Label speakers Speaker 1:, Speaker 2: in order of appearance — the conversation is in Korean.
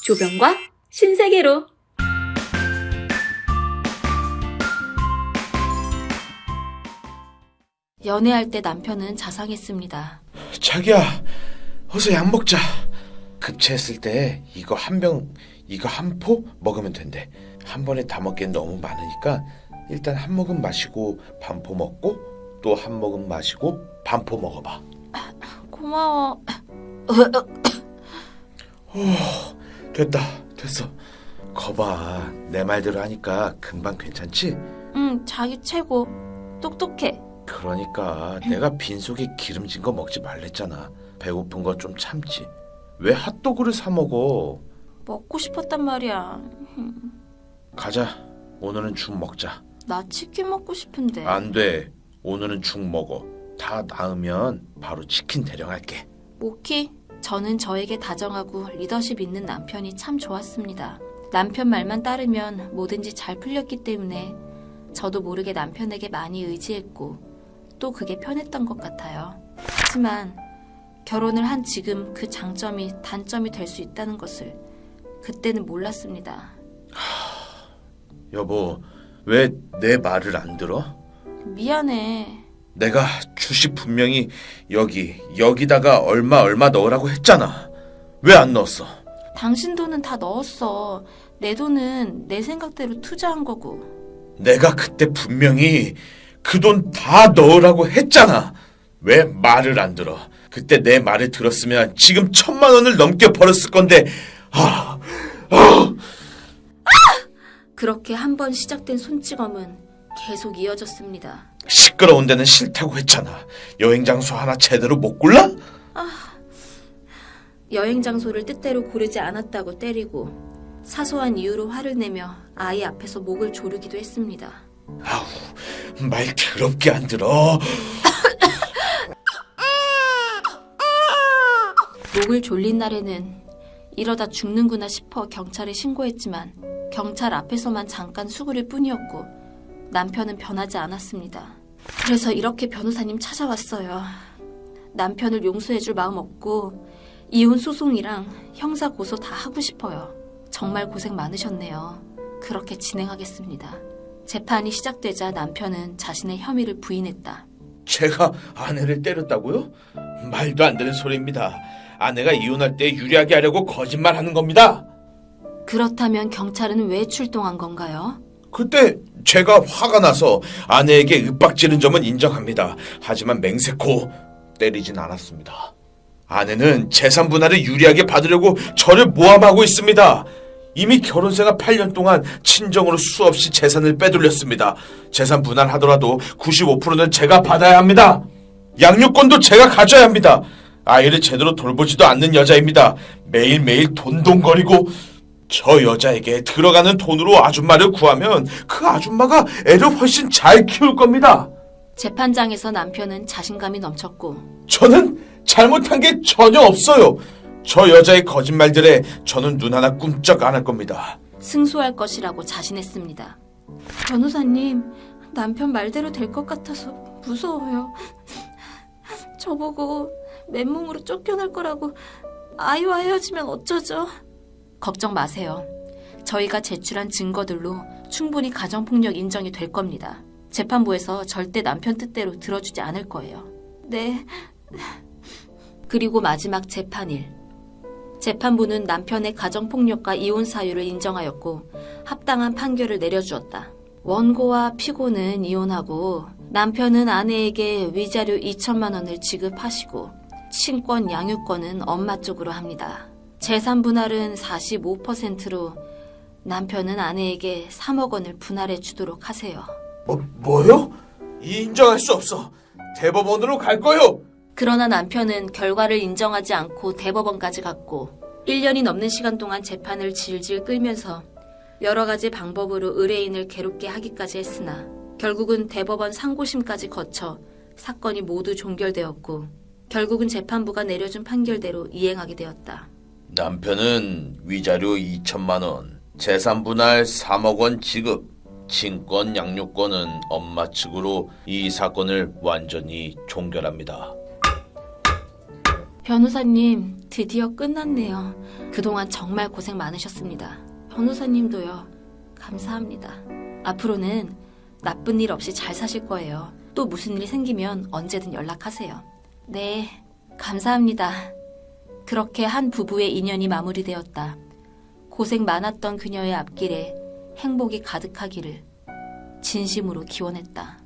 Speaker 1: 조병과 신세계로. 연애할 때 남편은 자상했습니다.
Speaker 2: 자기야, 어서 약 먹자. 급체했을 때 이거 한 포 먹으면 된대. 한 번에 다 먹기엔 너무 많으니까 일단 한 모금 마시고 반포 먹고 또 한 모금 마시고 반포 먹어봐.
Speaker 1: 고마워.
Speaker 2: 됐어. 거봐, 내 말대로 하니까 금방 괜찮지?
Speaker 1: 응, 자기 최고. 똑똑해.
Speaker 2: 그러니까 내가 빈속에 기름진 거 먹지 말랬잖아. 배고픈 거 좀 참지. 왜 핫도그를 사 먹어?
Speaker 1: 먹고 싶었단 말이야.
Speaker 2: 가자. 오늘은 죽 먹자.
Speaker 1: 나 치킨 먹고 싶은데.
Speaker 2: 안 돼. 오늘은 죽 먹어. 다 나으면 바로 치킨 대령할게.
Speaker 1: 모키, 저는 저에게 다정하고 리더십 있는 남편이 참 좋았습니다. 남편 말만 따르면 뭐든지 잘 풀렸기 때문에 저도 모르게 남편에게 많이 의지했고 또 그게 편했던 것 같아요. 하지만 결혼을 한 지금 그 장점이 단점이 될 수 있다는 것을 그때는 몰랐습니다.
Speaker 2: 여보, 왜 내 말을 안 들어?
Speaker 1: 미안해.
Speaker 2: 내가 주식 분명히 여기다가 얼마 넣으라고 했잖아. 왜 안 넣었어?
Speaker 1: 당신 돈은 다 넣었어. 내 돈은 내 생각대로 투자한 거고.
Speaker 2: 내가 그때 분명히 그 돈 다 넣으라고 했잖아. 왜 말을 안 들어? 그때 내 말을 들었으면 지금 1,000만 원을 넘게 벌었을 건데.
Speaker 1: 그렇게 한 번 시작된 손찌검은 계속 이어졌습니다.
Speaker 2: 시끄러운 데는 싫다고 했잖아. 여행 장소 하나 제대로 못 골라?
Speaker 1: 여행 장소를 뜻대로 고르지 않았다고 때리고 사소한 이유로 화를 내며 아이 앞에서 목을 조르기도 했습니다.
Speaker 2: 아우, 말 더럽게 안 들어.
Speaker 1: 목을 졸린 날에는 이러다 죽는구나 싶어 경찰에 신고했지만 경찰 앞에서만 잠깐 수그릴 뿐이었고 남편은 변하지 않았습니다. 그래서 이렇게 변호사님 찾아왔어요. 남편을 용서해줄 마음 없고 이혼 소송이랑 형사 고소 다 하고 싶어요. 정말 고생 많으셨네요. 그렇게 진행하겠습니다. 재판이 시작되자 남편은 자신의 혐의를 부인했다.
Speaker 2: 제가 아내를 때렸다고요? 말도 안 되는 소리입니다. 아내가 이혼할 때 유리하게 하려고 거짓말하는 겁니다.
Speaker 1: 그렇다면 경찰은 왜 출동한 건가요?
Speaker 2: 그때 제가 화가 나서 아내에게 윽박지른 점은 인정합니다. 하지만 맹세코 때리진 않았습니다. 아내는 재산 분할을 유리하게 받으려고 저를 모함하고 있습니다. 이미 결혼생활 8년 동안 친정으로 수없이 재산을 빼돌렸습니다. 재산 분할하더라도 95%는 제가 받아야 합니다. 양육권도 제가 가져야 합니다. 아이를 제대로 돌보지도 않는 여자입니다. 매일매일 돈돈거리고 저 여자에게 들어가는 돈으로 아줌마를 구하면 그 아줌마가 애를 훨씬 잘 키울 겁니다.
Speaker 1: 재판장에서 남편은 자신감이 넘쳤고
Speaker 2: 저는 잘못한 게 전혀 없어요. 저 여자의 거짓말들에 저는 눈 하나 꿈쩍 안 할 겁니다.
Speaker 1: 승소할 것이라고 자신했습니다. 변호사님, 남편 말대로 될 것 같아서 무서워요. 저보고 맨몸으로 쫓겨날 거라고 아이와 헤어지면 어쩌죠? 걱정 마세요. 저희가 제출한 증거들로 충분히 가정폭력 인정이 될 겁니다. 재판부에서 절대 남편 뜻대로 들어주지 않을 거예요. 네. 그리고 마지막 재판일. 재판부는 남편의 가정폭력과 이혼 사유를 인정하였고 합당한 판결을 내려주었다. 원고와 피고는 이혼하고 남편은 아내에게 위자료 2천만 원을 지급하시고 친권 양육권은 엄마 쪽으로 합니다. 재산 분할은 45%로 남편은 아내에게 3억 원을 분할해 주도록 하세요.
Speaker 2: 뭐요? 인정할 수 없어. 대법원으로 갈 거요.
Speaker 1: 그러나 남편은 결과를 인정하지 않고 대법원까지 갔고 1년이 넘는 시간 동안 재판을 질질 끌면서 여러 가지 방법으로 의뢰인을 괴롭게 하기까지 했으나 결국은 대법원 상고심까지 거쳐 사건이 모두 종결되었고 결국은 재판부가 내려준 판결대로 이행하게 되었다.
Speaker 2: 남편은 위자료 2천만 원, 재산 분할 3억 원 지급, 친권 양육권은 엄마 측으로 이 사건을 완전히 종결합니다.
Speaker 1: 변호사님, 드디어 끝났네요. 그동안 정말 고생 많으셨습니다. 변호사님도요. 감사합니다. 앞으로는 나쁜 일 없이 잘 사실 거예요. 또 무슨 일이 생기면 언제든 연락하세요. 네, 감사합니다. 그렇게 한 부부의 인연이 마무리되었다. 고생 많았던 그녀의 앞길에 행복이 가득하기를 진심으로 기원했다.